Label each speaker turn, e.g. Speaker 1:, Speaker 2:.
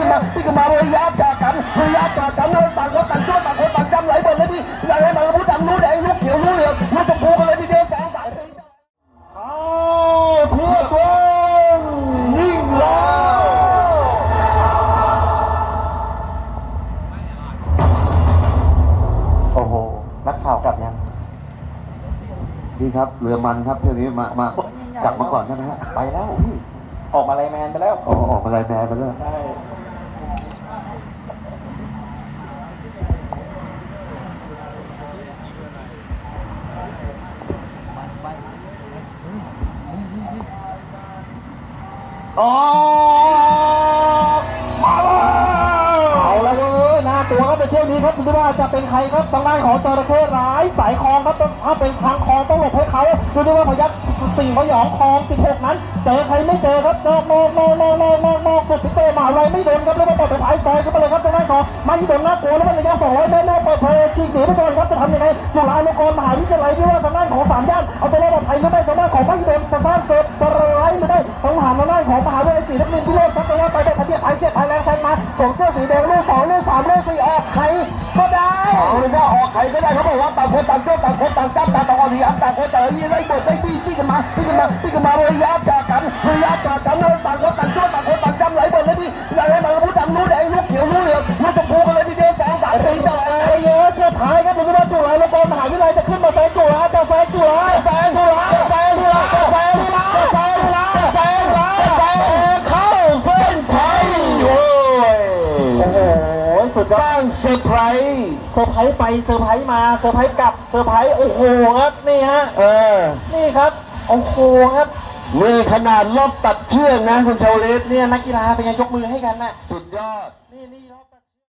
Speaker 1: มาระยะจากกันเลยต่างคนต่างช่วยต่างคนต่างจำไหลหมดเลยพี่อะไรมารู้ดำรู้แดงรู้เขียวรู้เหลืองรู้ชมพูกันเลยทีเดียวสองสายเข้าทั่วกวงนิ่งแล้วโอ้โหนักข่าวกลับยังดีครับเรือมันครับเที่ยวนี้มากลับมาก่อนใช่ไหมฮะไปแล้วพี่ออกมาไลน์แมนไปแล้วออกมาไลน์แมนไปแล้วใช่อ๋อมาแล้วเอาแล้วเว้ยน่ากลัวครับในเที่ยวนี้ครับดูดิว่าจะเป็นใครครับทางด้านของจระเข้ร้ายสายคลองครับถ้าเป็นทางคลองต้องหลบให้เขาดูดิว่าพยัคฆ์สิ่งพยองคลอง16นั้นเจอใครไม่เจอครับนอกสุดพิเตอร์มาอะไรไม่โดนครับแล้วมาปล่อยไปท้ายซอยเข้าไปเลยครับทางด้านของมาฮิโดนน่ากลัวแล้วมันระยะ200 เมตรเปิดเผยฉีกหนีไปก่อนครับจะทำยังไงจุฬาลงกรณ์มหาวิทยาลัยที่ว่าทางด้านของ3 ย่านเอาตัวรอดปลอดภัยไม่ได้ทางด้านของมาฮิโดนจะสร้างเสร็จอะไรไม่ได้ต้องหาทางด้านของมหาวิทยาลัยศรีนครินทร์พิโรจน์ครับทางด้านไปได้ทะเบียนเสียบแรงแซงมาสวมเสื้อสีแดงลูก2ลูก3ลูก4ออกใครก็ได้เอาเลยว่าออกใครก็ได้เขาบอกว่าต่างคนต่างช่วยต่างคนต่างจับต่างออกทีต่างคนต่างยี่ไล่บทไล่บี้จี้กันมาระยะจากกันเลยต่างคนต่างช่วยต่างคนต่างจำไหลหมดเลยพี่อะไรมารู้ดำรู้แดงรู้เขียวรู้เหลืองรู้ชมพูกันเลยทีเดียวสองสายตีต่อเลยเยอะเสื้อผ้าครับดูว่าจุฬาลงกรณ์มหาวิทยาลัยจะขึ้นมาแซงจุฬาแซงจุฬาเข้าเส้นชัยโอ้ยโอ้โหสุดยอดสร้างเซอร์ไพรส์ไปเซอร์ไพรส์มาเซอร์ไพรส์กลับเซอร์ไพรส์โอ้โหครับนี่ฮะนี่ครับโอ้โหครับนี่ขนาดรอบตัดเชือกนะคุณชาวลิตเนี่ยนักกีฬาเป็นไงยกมือให้กันนะสุดยอดนี่รอบตัด